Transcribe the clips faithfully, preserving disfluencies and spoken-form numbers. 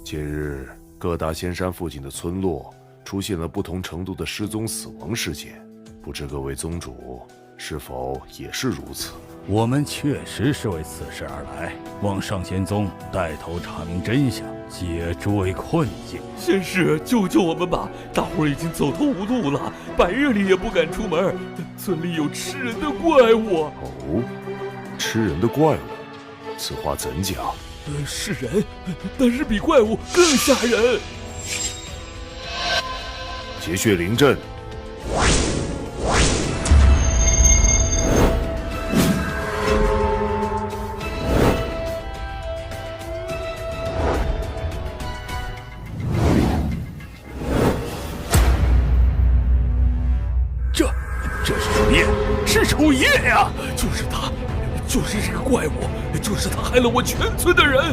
近日，各大仙山附近的村落出现了不同程度的失踪死亡事件，不知各位宗主是否也是如此？ 我们确实是为此事而来，望上仙宗带头查明真相，解诸位困境。 仙师，救救我们吧！大伙儿已经走投无路了，半夜里也不敢出门。村里有吃人的怪物。 哦，吃人的怪物，此话怎讲？ 呃，是人，但是比怪物更吓人。 结血灵阵。 这，这是楚夜，是楚夜呀！ 就是他，就是这个怪物，就是他害了我全村的人。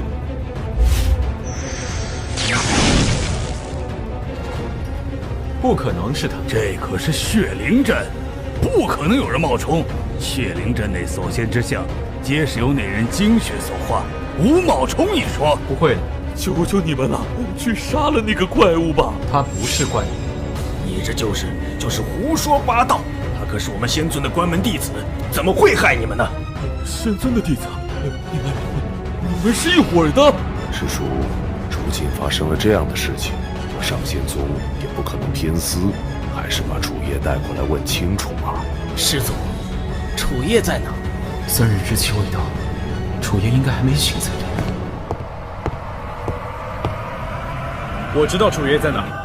不可能是他， 这可是血灵阵，不可能有人冒充。血灵阵内所现之象，皆是由那人精血所化，无冒充一说。 不会的， 求求你们了，去杀了那个怪物吧！ 他不是怪物， 你这就是就是胡说八道！他可是我们仙尊的关门弟子，怎么会害你们呢？ 仙尊的弟子，你们你们是一伙的？ 师叔，如今发生了这样的事情，我上仙宗也不可能偏私，还是把楚夜带过来问清楚吧。 师祖，楚夜在哪？ 三日之期未到，楚夜应该还没醒才对。 我知道楚夜在哪。